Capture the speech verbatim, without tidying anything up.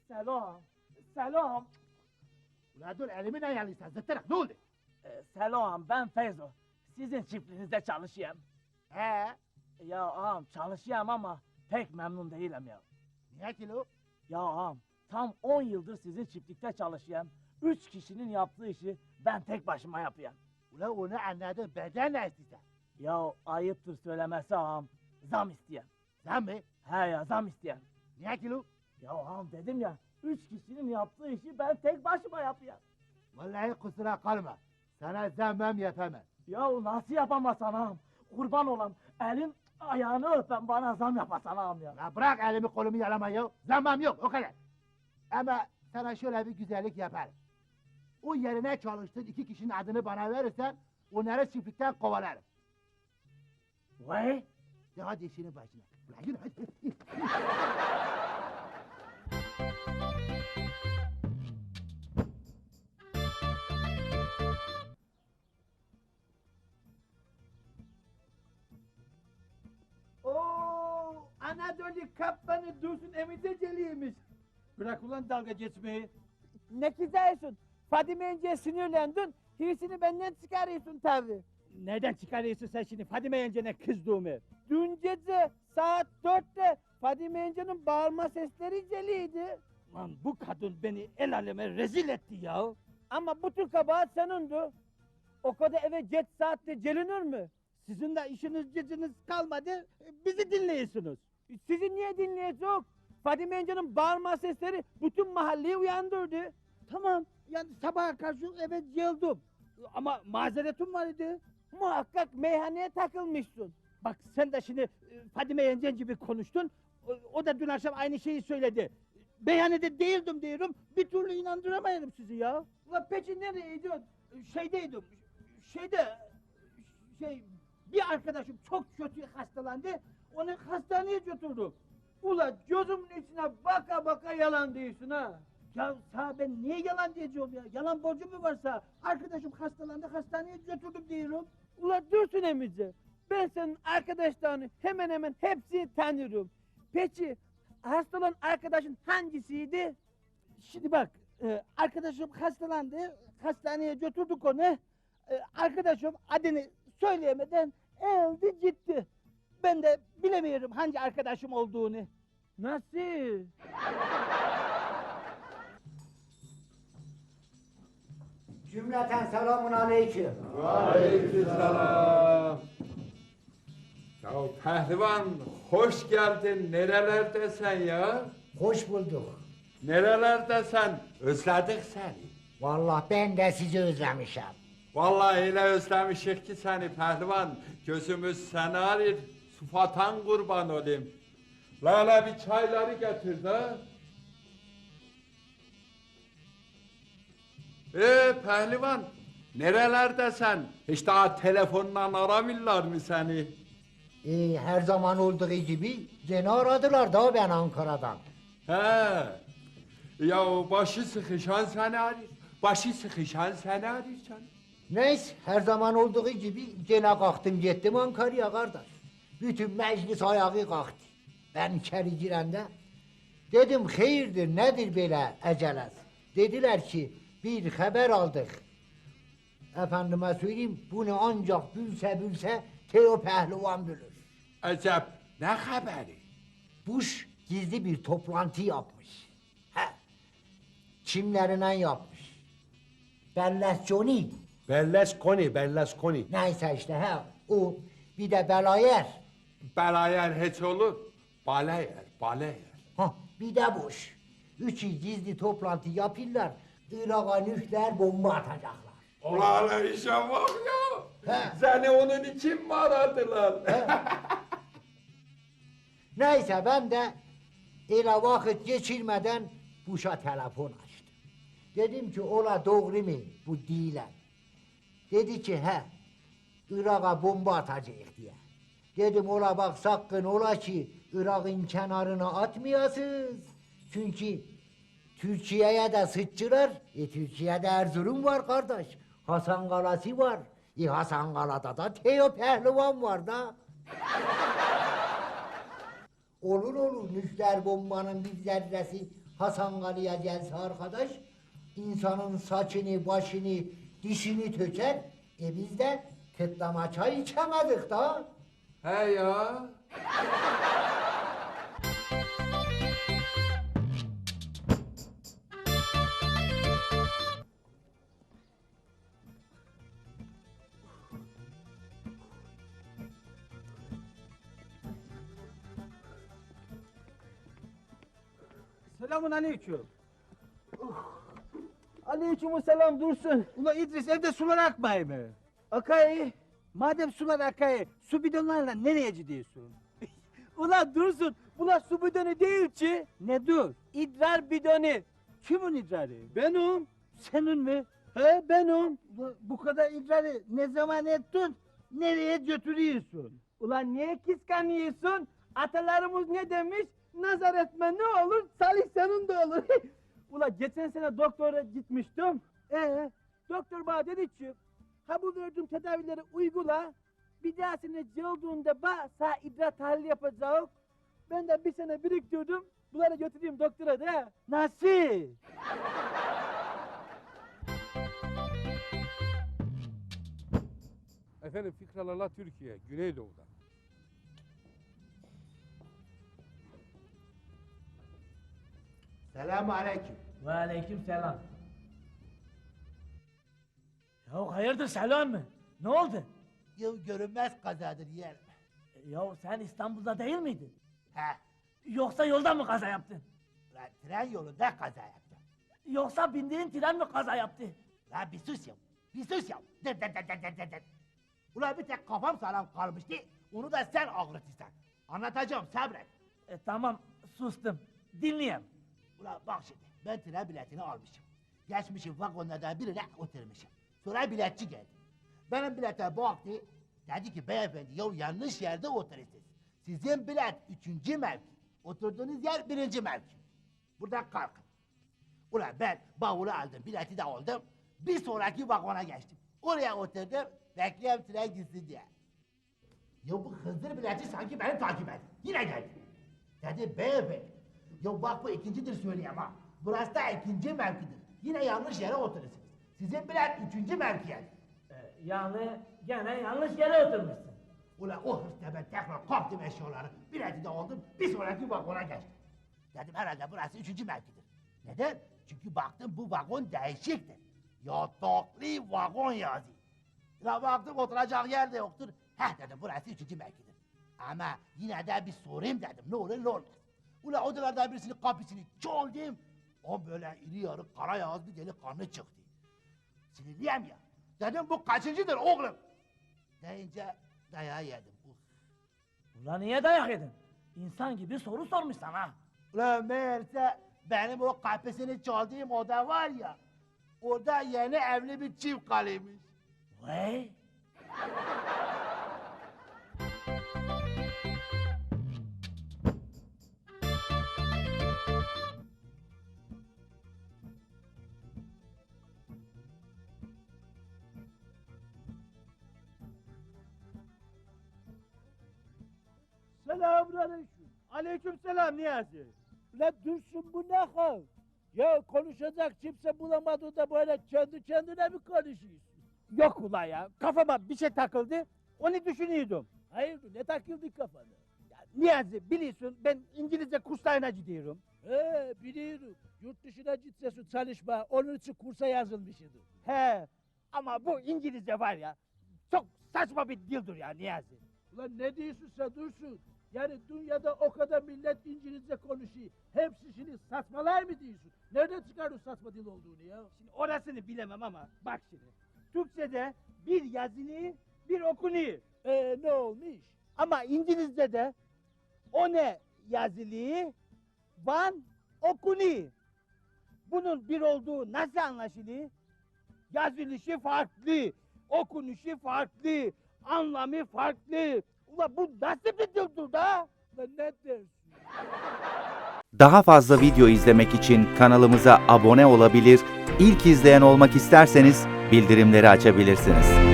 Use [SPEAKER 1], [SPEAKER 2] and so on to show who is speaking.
[SPEAKER 1] Selam. Selam.
[SPEAKER 2] Ulan dur elimi ne yanıysan zıttırık ne oldu?
[SPEAKER 1] Ee, selam ben Feyzo. Sizin çiftliğinizde çalışıyorum.
[SPEAKER 2] He?
[SPEAKER 1] Ya ağam çalışıyorum ama pek memnun değilim ya.
[SPEAKER 2] Niye ki lo?
[SPEAKER 1] Ya ağam tam on yıldır sizin çiftlikte çalışıyorum. Üç kişinin yaptığı işi ben tek başıma yapıyorum.
[SPEAKER 2] Ulan onu anladım benden ne istiyorsun?
[SPEAKER 1] Ya ayıptır söylemesi ağam. Zam isteyen.
[SPEAKER 2] Sen mi?
[SPEAKER 1] He ya zam isteyen.
[SPEAKER 2] Niye ki lo?
[SPEAKER 1] Ya ağam dedim ya. Üç kişinin yaptığı işi ben tek başıma yapıyorum.
[SPEAKER 2] Vallahi kusura kalma. Sana zemmem yapamam.
[SPEAKER 1] Ya nasıl yapamazsan ağam? Kurban olam. Elin ayağını öpen bana zam yapasan ağam ya.
[SPEAKER 2] La bırak elimi kolumu yalama ya. Zammam yok o kadar. Ama sana şöyle bir güzellik yaparım. O yerine çalıştığın iki kişinin adını bana verirsen onları çiftlikten kovalarım.
[SPEAKER 1] Vay.
[SPEAKER 2] De hadi işinin başına. Ulan yürü hadi.
[SPEAKER 3] Oo, Anadolu kaptanı Dursun Emiceceliymiş. Bırak ulan dalga geçmeyi.
[SPEAKER 4] Ne kızıyorsun? Fadime Yence'ye sinirlendin, hirsini benden çıkarıyorsun tabi.
[SPEAKER 3] Nereden çıkarıyorsun sen şimdi Fadime yengene kızdığımı?
[SPEAKER 4] Dün gece saat dörtte Fadime Yence'nin bağırma sesleri celiydi.
[SPEAKER 3] Lan bu kadın beni el aleme rezil etti ya.
[SPEAKER 4] Ama bu tür kabahat senindi. O kadar eve geç saatte gelinir mi?
[SPEAKER 3] Sizin de işiniz gücünüz kalmadı, bizi dinliyorsunuz.
[SPEAKER 4] Sizi niye dinleyecek? Fadime Yence'nin bağırma sesleri bütün mahalleyi uyandırdı.
[SPEAKER 3] Tamam, yani sabaha karşı eve geldim. Ama mazeretim var idi.
[SPEAKER 4] Muhakkak meyhaneye takılmışsın.
[SPEAKER 3] Bak sen de şimdi e, Fadime yengen gibi konuştun. O, o da dün akşam aynı şeyi söyledi. Meyhanede değildim diyorum, bir türlü inandıramayalım sizi ya.
[SPEAKER 4] Ulan peki nereyeydin?
[SPEAKER 3] Şeydeydim, şeyde, şey, bir arkadaşım çok kötü hastalandı, onu hastaneye götürdüm.
[SPEAKER 4] Ulan gözümün içine baka baka yalan diyorsun ha.
[SPEAKER 3] Ya sağ ben niye yalan diyeceğim ya? Yalan borcum mu varsa? Arkadaşım hastalandı, hastaneye götürdüm diyorum.
[SPEAKER 4] Ulan Dursun emici, ben senin arkadaşlarını hemen hemen hepsini tanıyorum. Peki hasta arkadaşın hangisiydi?
[SPEAKER 3] Şimdi bak, e, arkadaşım hastalandı, hastaneye götürdük onu. E, arkadaşım adını söyleyemeden öldü gitti. Ben de bilemiyorum hangi arkadaşım olduğunu.
[SPEAKER 4] Nasıl?
[SPEAKER 5] Cümleten selamun aleyküm.
[SPEAKER 6] Aleykümselam. Ya pehlivan hoş geldin. Nerelerdesin ya?
[SPEAKER 5] Hoş bulduk.
[SPEAKER 6] Nerelerdesin? Özledik seni.
[SPEAKER 5] Vallahi ben de sizi özlemişim.
[SPEAKER 6] Vallahi öyle özlemişik ki seni pehlivan. Gözümüz seni arır. Sıfatan kurban olayım. Lala bir çayları getir de. Ee pehlivan, nerelerdesin? Hiç daha telefonla aramıyorlar mı seni?
[SPEAKER 5] Ee, her zaman olduğu gibi gene aradılar da ben Ankara'dan.
[SPEAKER 6] He. Ya başı sıkışan seni arıyor. Başı sıkışan seni arıyor canım.
[SPEAKER 5] Neyse her zaman olduğu gibi gene kalktım gittim Ankara'ya kardeş. Bütün meclis ayağı kalktı. Ben içeri girende dedim hayırdır nedir böyle ecelet? Dediler ki bir haber aldık. Efendime söyleyeyim bunu ancak bilse bilse Teo Pehlivan bilir.
[SPEAKER 6] Acep ne haberi?
[SPEAKER 5] Bush gizli bir toplantı yapmış. He. Kimlerinden yapmış? Berlusconi.
[SPEAKER 7] Berlusconi, Berlusconi.
[SPEAKER 5] Neyse işte he. O bir de Belayer.
[SPEAKER 6] Belayer hiç olur. Balayer, balayer.
[SPEAKER 5] Ha, bir de Bush. Üçü gizli toplantı yapırlar. Irak'a nükleer bomba atacaklar.
[SPEAKER 6] Ulan işe bak ya.
[SPEAKER 5] He.
[SPEAKER 6] Seni onun için mi aradılar?
[SPEAKER 5] Neyse ben de ele vakit geçirmeden Bush'a telefon açtım. Dedim ki ola doğru mu bu değiller? Dedi ki he Irak'a bomba atacak diye. Dedim ola bak sakın ola ki Irak'ın kenarına atmayasınız. Çünkü Türkiye'ye de sıçrar. E Türkiye'de Erzurum var kardeş. Hasan Kalası var. E Hasan Kala'da da Teo Pehlivan var da. Olur olur nükleer bombanın bir zerresi Hasan Kali'ye gelse arkadaş, insanın saçını, başını, dişini töker. E biz de kıtlama çay içemedik da.
[SPEAKER 6] He ya.
[SPEAKER 4] Selamun aleyküm. Aleyküm selam Dursun.
[SPEAKER 3] Ula İdris evde sular akmay mı?
[SPEAKER 4] Akay.
[SPEAKER 3] Madem sular akay, su bidonlarla nereye gidiyorsun?
[SPEAKER 4] Ulan Dursun, bula su bidonu değil ki.
[SPEAKER 3] Ne dur?
[SPEAKER 4] İdrar bidonu.
[SPEAKER 3] Kimin idrarı?
[SPEAKER 4] Benim.
[SPEAKER 3] Senin mi?
[SPEAKER 4] He benim.
[SPEAKER 3] Ula, bu kadar idrarı ne zaman ettin? Nereye götürüyorsun?
[SPEAKER 4] Ulan niye kıskanıyorsun? Atalarımız ne demiş? Nazar etme ne olur, salih senin de olur. Ulan geçen sene doktora gitmiştim. Ee, doktor bana dedi ki, ha bu verdiğim tedavileri uygula. Bir dahasına cıldığında ba, sağ idrar tahlili yapacağım. Ben de bir sene biriktirdim. Bunları götüreyim doktora da.
[SPEAKER 3] Nasıl?
[SPEAKER 8] Efendim Fikralarla Türkiye, Güneydoğu'da.
[SPEAKER 2] Selamun aleyküm.
[SPEAKER 1] Ve aleyküm selam. Ya hayırdır Selam mı? Ne oldu?
[SPEAKER 2] Ya görünmez kazadır yeğenim.
[SPEAKER 1] E, Ya sen İstanbul'da değil miydin?
[SPEAKER 2] He,
[SPEAKER 1] Yoksa yolda mı kaza yaptın?
[SPEAKER 2] lan tren yolunda kaza yaptım.
[SPEAKER 1] Yoksa bindiğin tren mi kaza yaptı?
[SPEAKER 2] Lan bir sus ya, bir sus ya. Dır dır dır dır dır dır dır. Ulan bir tek kafam sağlam kalmıştı, onu da sen ağrıtırsan. Anlatacağım, sabret.
[SPEAKER 1] E, tamam sustum. Dinleyeyim.
[SPEAKER 2] Ulan bak şimdi, ben tren biletini almışım. Geçmişim vagonlardan birine oturmuşum. Sonra biletçi geldi. Benim bilete baktı, dedi ki beyefendi ya yanlış yerde oturuyorsunuz. Sizin bilet üçüncü mevki, oturduğunuz yer birinci mevki. Buradan kalkın. Ulan ben bavulu aldım, bileti de aldım. Bir sonraki vagona geçtim. Oraya oturdum, bekliyorum tren gitsin diye. Ya bu Hızır bileti sanki beni takip etti. Yine geldi. Dedi beyefendi, ya bak bu ikincidir söyleyeyim ha. Burası da ikinci mevkidir. Yine yanlış yere oturursunuz. Sizin bilet üçüncü mevkiye.
[SPEAKER 1] E, yani gene yanlış yere oturmuşsun.
[SPEAKER 2] Ulan o hırsla ben tekrar kaptım eşyaları. Bileti de aldım, bir sonraki vagona geçtim. Dedim herhalde burası üçüncü mevkidir. Neden? Çünkü baktım bu vagon değişiktir. Yataklı vagon yazıyor. Ulan baktım oturacak yer de yoktur. Heh dedim burası üçüncü mevkidir. Ama yine de bir sorayım dedim ne olur ne olmaz. Ulan odalardan birisinin kapısını çaldım. O böyle iri yarı kara yağız bir delikanlı çıktı. Sinirliyim ya. Dedim bu kaçıncıdır oğlum? Deyince dayağı yedim. Uf.
[SPEAKER 1] Ulan niye dayak yedin? İnsan gibi soru sormuş sana.
[SPEAKER 2] Ulan meğerse benim o kapısını çaldığım oda var ya, orada yeni evli bir çift kalıymış.
[SPEAKER 1] Vay.
[SPEAKER 4] Selamun aleyküm. Aleyküm selam Niyazi. La Dursun bu ne hal? Ya konuşacak kimse bulamadı da böyle kendi kendine mi konuşuyorsun?
[SPEAKER 3] Yok ula ya, kafama bir şey takıldı, onu düşünüyordum.
[SPEAKER 4] Hayırdır ne takıldı kafana?
[SPEAKER 3] Ya, Niyazi biliyorsun ben İngilizce kurslarına gidiyorum.
[SPEAKER 4] He biliyorum. Yurt dışına gitsesin çalışma. Onun için kursa yazılmışsın.
[SPEAKER 3] He, ama bu İngilizce var ya, çok saçma bir dildir ya Niyazi.
[SPEAKER 4] Ulan ne diyorsun sen Dursun? Yani dünyada o kadar millet İngilizce konuşuyor. Hepsi şimdi saçmalar mı diyorsun? Nereden çıkardın saçma dil olduğunu ya?
[SPEAKER 3] Şimdi orasını bilemem ama bak şimdi. Türkçe'de bir yazılı, bir okunuyor.
[SPEAKER 4] Ee ne olmuş?
[SPEAKER 3] Ama İngilizce'de o ne yazılı, van okunuyor. Bunun bir olduğu nasıl anlaşılıyor? Yazılışı farklı, okunuşu farklı, anlamı farklı. Ulan bu nasıl bir dildir da?
[SPEAKER 4] Lan ne dersin?
[SPEAKER 9] Daha fazla video izlemek için kanalımıza abone olabilir, ilk izleyen olmak isterseniz bildirimleri açabilirsiniz.